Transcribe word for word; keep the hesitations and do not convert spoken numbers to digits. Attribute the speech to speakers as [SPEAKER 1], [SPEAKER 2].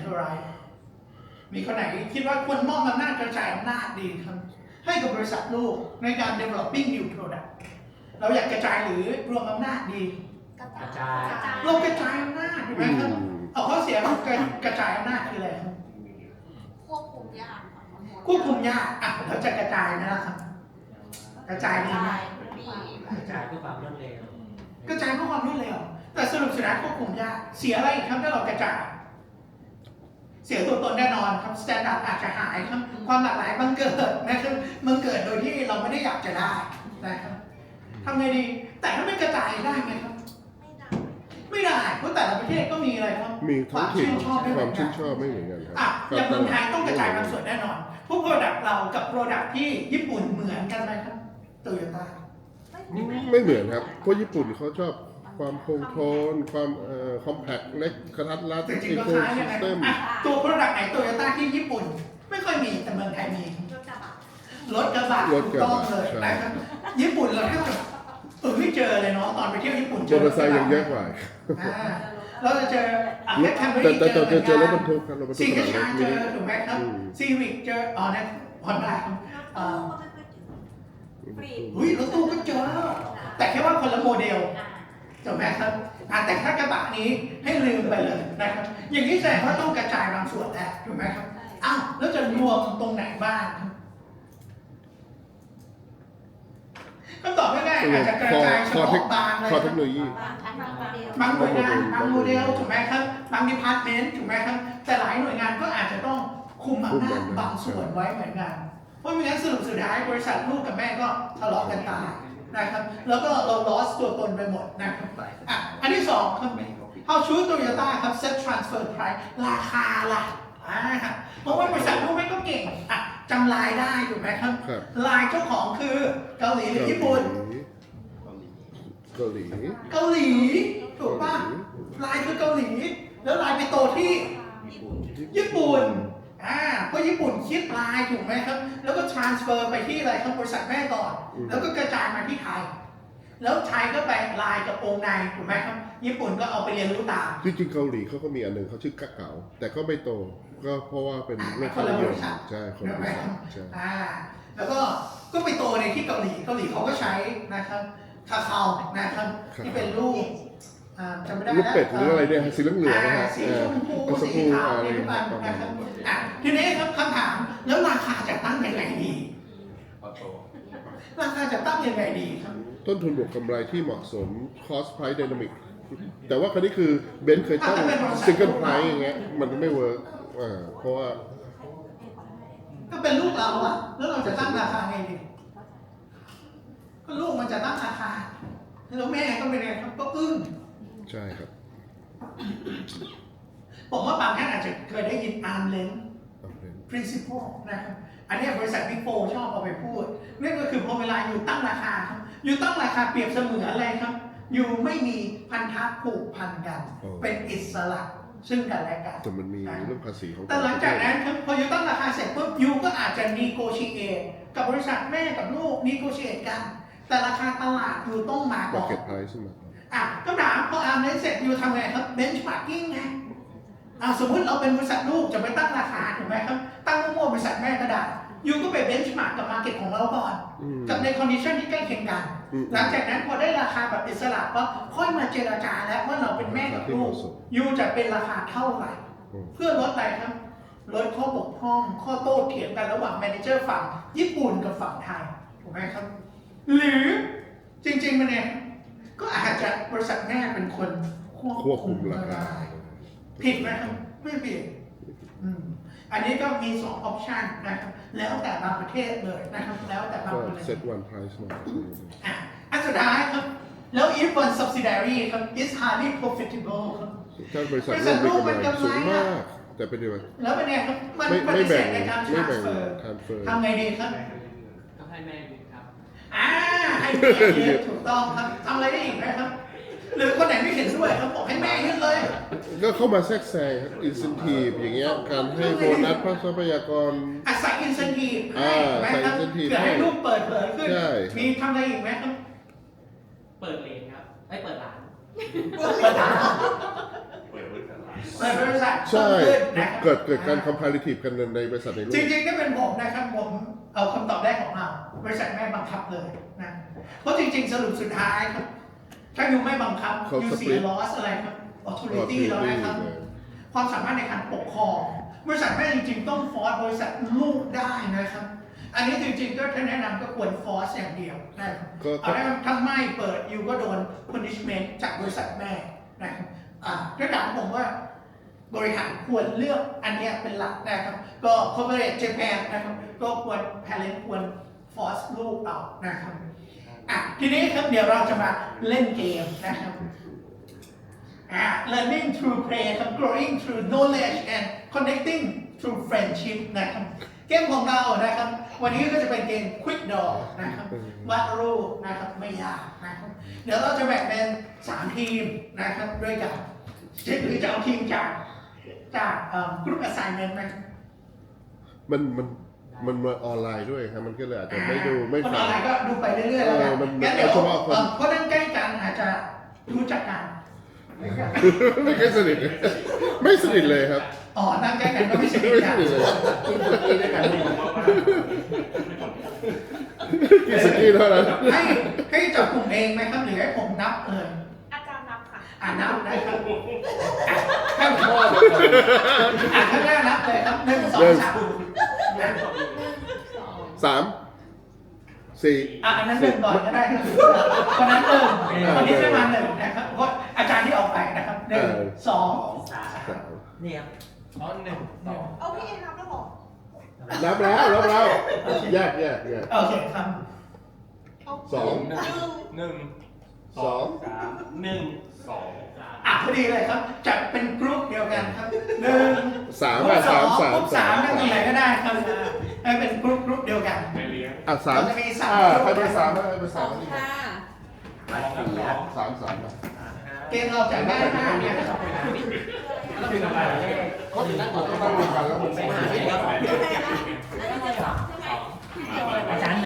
[SPEAKER 1] centralize มีคนไหนคิดว่าควรมอบอำนาจกระจายอำนาจดีครับให้กับบริษัทลูกในการ developing new product เราอยากกระจายหรือรวมอำนาจดี
[SPEAKER 2] กระจาย
[SPEAKER 1] เรากระจายอำนาจถูกไหมครับเอาข้อเสียของการกระจายอำนาจคืออะไรครับ
[SPEAKER 2] ควบคุมยาก
[SPEAKER 1] ควบคุมยากอ่ะเราจะกระจายนะครับกระจายดีไหม
[SPEAKER 3] กระจายเพื่อความรวดเร็ว
[SPEAKER 1] กระจายเพื่อความรวดเร็วแต่สรุปสุดท้ายควบคุมยากเสียอะไรอีกครับถ้าเรากระจายเสียตัวตนแน่นอนครับสแตนดาร์ดอาจจะหายครับความหลากหลายบังเกิดนะครับบังเกิดโดยที่เราไม่ได้อยากจะได้นะครับทำไงดีแต่ถ้าไม่กระจายได้ไหมครับไม่ได้เพราะแต่ละประเทศก็มีอะไรครับ
[SPEAKER 4] มีท้องถิ่น
[SPEAKER 1] ความชื่นชอบไม่เหมือนกันอ่ะอย่างเมืองไทยต้องกระจายบางส่วนแน่นอนพวกโปรดักต์เรากับโปรดักต์ที่ญี่ปุ่นเหมือนกันไหมครับโตโยต้า
[SPEAKER 4] ไม่เหมือนครับเพราะญี่ปุ่นเขาชอบความคงทนความเอ่อคอมแพคเล็กกระทัดรัด
[SPEAKER 1] จริงๆก็คล้ายกันนะตัวโปรดักต์ไหนโตโยต้าที่ญี่ปุ่นไม่ค่อยมีแต่เมืองไทยมีรถกระบะ
[SPEAKER 4] รถกระบะ
[SPEAKER 1] ต้องเลยนะครับญี่ปุ่นเราแทบจะเออไม่เจอเลยเนาะตอนไปเที่ยวญี่ปุ่น
[SPEAKER 4] เจอมอเตอร์ไซค์ยังเยอะกว่า
[SPEAKER 1] เราจะเจอ
[SPEAKER 4] แต่แต่แต่เจอรถบรรทุกครับรถบรรทุก
[SPEAKER 1] ซีวิกเจอถูกไหมครับซีวิกเจออ๋อเนี่ยฮอนด้าอุ้ยรถตู้ก็เจอแต่แค่ว่าคนละโมเดลถูกไหมครับแต่ถ้ากระบะนี้ให้ลืมไปเลยนะครับอย่างนี้แสดงว่าต้องกระจายบางส่วนแหละถูกไหมครับอ้าวแล้วจะรวมตรงไหนบ้างคำตอบง่ายๆอาจจะกระจายเฉพาะบางเลย
[SPEAKER 4] คอเทคโนโลยี
[SPEAKER 1] บางหน่วยงานบางโมเดลถูกไหมครับบางดีพาร์ตเมนต์ถูกไหมครับแต่หลายหน่วยงานก็อาจจะต้องคุมอำนาจบางส่วนไว้เหมือนกันเพราะไม่งั้นสรุปสุดท้ายบริษัทลูกกับแม่ก็ทะเลาะกันตายนะครับแล้วก็เรา loss ตัวตนไปหมดนะครับอ่ะอันที่สองครับ How should Toyota ครับ set transfer price ราคาล่ะอ่าเพราะว่าบริษัทลูกแม่ก็เก่งอ่ะจำลายได้ถูกไหมครับลายเจ้าของคือเกาหลีหรือญี่ปุ่น
[SPEAKER 4] เกาหลี
[SPEAKER 1] เกาหลีถูกป่ะลายคือเกาหลีแล้วลายไปโตที่ญี่ปุ่นอ่าเพราะญี่ปุ่นคิดลายถูกไหมครับแล้วก็ transfer ไปที่อะไรครับบริษัทแม่ก่อนแล้วก็กระจายมาที่ไทยแล้วไทยก็ไปลายกับองค์ในถูกไหมครับญี่ปุ่นก็เอาไปเรียนรู้ตาม
[SPEAKER 4] จริงๆเกาหลีเขาก็มีอันหนึ่งเขาชื่อกะเก๋าแต่ก็ไม่โตก็เพราะว่าเป็น
[SPEAKER 1] ไม่คนละบริษัท
[SPEAKER 4] ใช่คนละบริษัทใช่
[SPEAKER 1] อ่าแล้วก็ก็ไปโตในที่เกาหลีเกาหลีเขาก็ใช้นะครับคาคานะครับที่เป็นรูปจำไม่ได้
[SPEAKER 4] แล้วรูปเป็ดหรืออะไรเนี่ยสีเหลืองๆนะฮะ
[SPEAKER 1] สีชมพูสีขาวอะไรประมาณนะครับอ่ะทีนี้ครับคำถามแล้วราคาจะตั้งยังไงดีราคาจะตั้งยังไงดีครับ
[SPEAKER 4] ต้นทุนบวกกำไรที่เหมาะสม cost price dynamic แต่ว่าคราวนี้คือเบนซ์เคยตั้ง single price อย่างเงี้ยมันไม่เวิร์กอ่าเพราะว่า
[SPEAKER 1] ก็เป็นลูกเราอะแล้วเราจะตั้งราคาไงดีก็ลูกมันจะตั้งราคาแล้วแม่ก็เป็นไงครับก็อึ้ง
[SPEAKER 4] ใช่ครับ
[SPEAKER 1] ผมว่าบางท่านอาจจะเคยได้ยิน arm length principle นะครับอันนี้บริษัทบิ๊กโฟชอบเอาไปพูดนั่นก็คือพอเวลาอยู่ตั้งราคาครับอยู่ตั้งราคาเปรียบเสมือนอะไรครับอยู่ไม่มีพันธะผูกพันกันเป็นอิสระซึ่งกันและกัน
[SPEAKER 4] แต่มันมีเรื่องภาษีของ
[SPEAKER 1] แต่หลังจากนั้นพอยูตั้งราคาเสร็จปุ๊บยูก็อาจจะ negotiate กับบริษัทแม่กับลูก negotiate กันแต่ราคาตลาดยูต้องมาก่อน
[SPEAKER 4] market price มา
[SPEAKER 1] อ่ะคำถามพออาร์มเสร็จยูทำไงครับ benchmarking ไงอ่ะสมมติเราเป็นบริษัทลูกจะไปตั้งราคาถูกไหมครับตั้งมั่วบริษัทแม่ก็ได้ยูก็ไป benchmark กับ market ของเราก่อนกับใน condition ที่ใกล้เคียงกันหลังจากนั้นพอได้ราคาแบบอิสระก็ค่อยมาเจรจาแล้วว่าเราเป็นแม่กับลูกยูจะเป็นราคาเท่าไหร่เพื่อลดอะไรครับลดข้อบกพร่องข้อโต้เถียงกันระหว่างแมเนเจอร์ฝั่งญี่ปุ่นกับฝั่งไทยถูกไหมครับหรือจริงๆมันเนี่ยก็อาจจะบริษัทแม่เป็นคนควบคุมราคาผิดไหมครับไม่ผิดอันนี้ก็มีสองออปชันนะครับแล้วแต่บางประเทศเลยนะครับแล้วแต่บางประเทศ
[SPEAKER 4] set one price มา
[SPEAKER 1] อ่ะอันสุดท้ายครับแล้ว if one subsidiary ครับ is highly profitable ครับ
[SPEAKER 4] ถ้าบริษัทลูกมีกำไรสูงมากแต่เป็นยังไง
[SPEAKER 1] แล้วเป็นไงครับมันปฏิเสธในการ transfer ทำไงดีครับ
[SPEAKER 3] ต้องให้แม่ยึดครับ
[SPEAKER 1] อ่าให้แม่ยึดถูกต้องครับทำอะไรได้อีกไหมครับหรือคนไหนไม่เห็นด้วยเขาบอกให้แม่ยึดเลย
[SPEAKER 4] ก็เข้ามาแทรกแซงครับ incentive อย่างเงี้ยการให้โบนัสทรัพยากร
[SPEAKER 1] อ่ะใส่ incentive ให้ไหมครับเพื่อให้ลูกเปิดเผยขึ้นมีทำอะไรอีกไหมครับ
[SPEAKER 3] เปิดเลนครับไอ้เปิดร้าน
[SPEAKER 1] เปิดร้านเปิดบริษัท
[SPEAKER 4] ใช่
[SPEAKER 1] เพิ่มขึ้นนะครับ
[SPEAKER 4] เกิดเกิดการ comparative กันในบริษัทในรู
[SPEAKER 1] จ
[SPEAKER 4] ป
[SPEAKER 1] ริงๆถ้าเป็นผมนะครับผมเอาคำตอบแรกของเราบริษัทแม่บังคับเลยนะเพราะจริงๆสรุปสุดท้ายครับถ้าอยู่ไม่บังคับ
[SPEAKER 4] เขา
[SPEAKER 1] อยู่เสีย
[SPEAKER 4] split
[SPEAKER 1] loss อะไรครับ authority แล้วนะครับ
[SPEAKER 4] เออ
[SPEAKER 1] ความสามารถในการปกครองบริษัทแม่จริงๆต้องฟอร์สบริษัทลูกได้นะครับ อันนี้จริงๆก็ถ้าแนะนำก็ควรฟอร์สอย่างเดียวนะครับ
[SPEAKER 4] ก็
[SPEAKER 1] เอาได้ถ้าไม่เปิดยูก็โดน punishment จากบริษัทแม่นะครับอ่าถ้าถามผมว่าบริหารควรเลือกอันเนี้ยเป็นหลักนะครับก็ corporate Japan นะครับก็ควร parent ควร force ลูกเอานะครับอ่ะทีนี้ครับเดี๋ยวเราจะมาเล่นเกมนะครับอ่ะ learning through play ครับ growing through knowledge and connecting through friendship นะครับเกมของเรานะครับวันนี้ก็จะเป็นเกม quick draw นะครับวาดรูปนะครับไม่ยากนะครับเดี๋ยวเราจะแบ่งเป็นสามทีมนะครับด้วยกันหรือจะเอาทีมจากจากกรุ๊ป assignment ไหม
[SPEAKER 4] มันมันมันมาออนไลน์ด้วยครับมันก็เลยอาจจะไม่ดูไม่
[SPEAKER 1] คนอ
[SPEAKER 4] ฟั
[SPEAKER 1] อง นไลน์ก็ดูไปเรื่อยๆแล้วกัน
[SPEAKER 4] เออมัน
[SPEAKER 1] งั้นเดี๋ยว
[SPEAKER 4] เอาเฉพาะคน
[SPEAKER 1] เอ่อเพราะนั่งใกล้กันอาจจะรู้จักกัน
[SPEAKER 4] ไม่เคยสนิทไม่สนิทเลยครับ
[SPEAKER 1] อ๋อนั่งใกล้กันก็ไม่สนิท
[SPEAKER 4] ไม่
[SPEAKER 1] กั
[SPEAKER 4] ส
[SPEAKER 1] น
[SPEAKER 4] นิทเลยกินสกี้เท่านั้น
[SPEAKER 1] ให้ให้จับกลุ่มเองไหมครับหรือให้ผมนับเลย
[SPEAKER 2] อาจารย์นับค่ะ
[SPEAKER 1] อ่านับนะครับอ่ะข้างพ่ออ่ะข้างหน้านับเลยครับหนึ่งสองสามนะ
[SPEAKER 4] สามสี่
[SPEAKER 1] อ่ะอันนั้นหนึ่งก่อนก็ได้ครับคนนั้นหนึ่งคนนี้จะมาหนึ่งนะครับเพราะอาจารย์ที่ออกไปนะครับหนึ่งสอง
[SPEAKER 3] สาม
[SPEAKER 4] สาม
[SPEAKER 3] นี่ครับ
[SPEAKER 5] อ๋อหนึ่งสอง
[SPEAKER 2] เอาพี่เอ็นนับแล้วเหรอ
[SPEAKER 4] นับแล้วนับแล้วแยกแยกแยก
[SPEAKER 1] โอเคครับ
[SPEAKER 2] เอา
[SPEAKER 4] สอง
[SPEAKER 2] หนึ่ง
[SPEAKER 5] หนึ่ง
[SPEAKER 4] สอง
[SPEAKER 5] สามหนึ่งสอง
[SPEAKER 1] อ่ะพอดีเลยครับจัดเป็นกรุ๊ปเดียวกันครับหนึ่ง
[SPEAKER 4] สาม
[SPEAKER 1] กรุ๊
[SPEAKER 4] อ่ะ
[SPEAKER 1] ปสอ
[SPEAKER 4] สาง มสาม
[SPEAKER 1] กรุ๊ปสามนั่งตรงไหนก็ได้ครับให้เป็นกรุ๊ปกรุ๊ปเดียวกัน
[SPEAKER 5] ไม่เลี้ยง
[SPEAKER 4] อ่ะสาม
[SPEAKER 1] เราจะมีสาม
[SPEAKER 4] อ่าก
[SPEAKER 1] รุ๊ป
[SPEAKER 4] ใครเป็นสามใครเป็น
[SPEAKER 2] ส
[SPEAKER 4] สา
[SPEAKER 2] อ
[SPEAKER 4] ม
[SPEAKER 2] งค่ะ
[SPEAKER 4] สามสามอ่ะ
[SPEAKER 1] เกมเราจะง่ายมากเนี่ยครับ
[SPEAKER 3] แล้วเป็นอะไรเลข
[SPEAKER 4] ก็นั่งก็นั่งรวมกันแล้วผม
[SPEAKER 3] เป็น
[SPEAKER 4] ไม่
[SPEAKER 3] หา
[SPEAKER 4] ได้
[SPEAKER 3] เลขสอง
[SPEAKER 2] อันนี้จะสองใช่ไหม
[SPEAKER 3] อาจาร